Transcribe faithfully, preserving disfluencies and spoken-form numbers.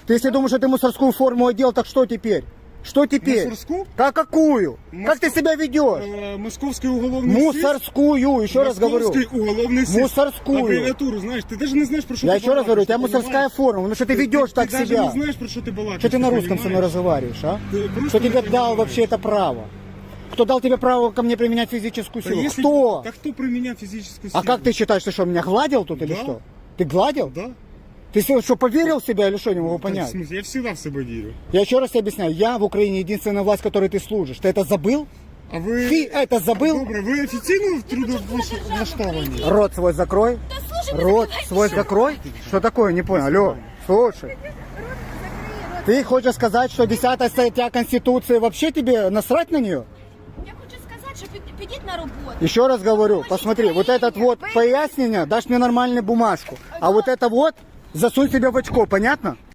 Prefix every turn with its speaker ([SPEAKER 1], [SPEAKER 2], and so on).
[SPEAKER 1] Ты если думаешь, что ты мусорскую форму одел, так что теперь? Что теперь?
[SPEAKER 2] Мусорскую?
[SPEAKER 1] Да какую?
[SPEAKER 2] Моско-
[SPEAKER 1] Как ты себя ведешь?
[SPEAKER 2] Э, Московский уголовный суд.
[SPEAKER 1] Мусорскую, еще раз говорю.
[SPEAKER 2] Московский уголовный суд.
[SPEAKER 1] Мусорскую.
[SPEAKER 2] Аббревиатуру знаешь, ты даже не знаешь, про что
[SPEAKER 1] Я
[SPEAKER 2] ты
[SPEAKER 1] еще раз говорю, у тебя
[SPEAKER 2] балакаешь, ты
[SPEAKER 1] мусорская
[SPEAKER 2] понимаешь?
[SPEAKER 1] форма, ну что ты ведешь
[SPEAKER 2] ты
[SPEAKER 1] так
[SPEAKER 2] даже
[SPEAKER 1] себя?
[SPEAKER 2] не знаешь, про что ты балакаешь.
[SPEAKER 1] Что ты на русском со мной
[SPEAKER 2] понимаешь?
[SPEAKER 1] разговариваешь, а?
[SPEAKER 2] Ты просто
[SPEAKER 1] Кто тебе
[SPEAKER 2] не
[SPEAKER 1] дал
[SPEAKER 2] понимаешь.
[SPEAKER 1] вообще это право? Кто дал тебе право ко мне применять физическую
[SPEAKER 2] Да
[SPEAKER 1] силу?
[SPEAKER 2] если-
[SPEAKER 1] Кто?
[SPEAKER 2] Так кто про меня физическую силу?
[SPEAKER 1] А как ты считаешь, ты что, меня гладил тут или
[SPEAKER 2] Да.
[SPEAKER 1] что? Ты гладил?
[SPEAKER 2] Да.
[SPEAKER 1] Ты что, что, поверил в себя или что, не могу
[SPEAKER 2] В
[SPEAKER 1] понять?
[SPEAKER 2] смысле, я всегда в себя верю.
[SPEAKER 1] Я еще раз тебе объясняю, я в Украине единственная власть, которой ты служишь. Ты это забыл?
[SPEAKER 2] А вы...
[SPEAKER 1] Ты это забыл?
[SPEAKER 2] Добре, ви офіційно в трудовлаштовані?
[SPEAKER 1] Рот свой закрой.
[SPEAKER 3] Да слушай, вы
[SPEAKER 1] Рот
[SPEAKER 3] закрывайте
[SPEAKER 1] свой
[SPEAKER 3] рот.
[SPEAKER 1] закрой. Что такое? Не понял. Алло, слушай. Ты хочешь сказать, что десятая статья Конституции вообще тебе насрать на нее?
[SPEAKER 3] Я хочу сказать, что пи- підіть на роботу.
[SPEAKER 1] Еще раз говорю, посмотри, вот этот вот пояснение, дашь мне нормальную бумажку, а вот это вот засунь себе в очко, понятно?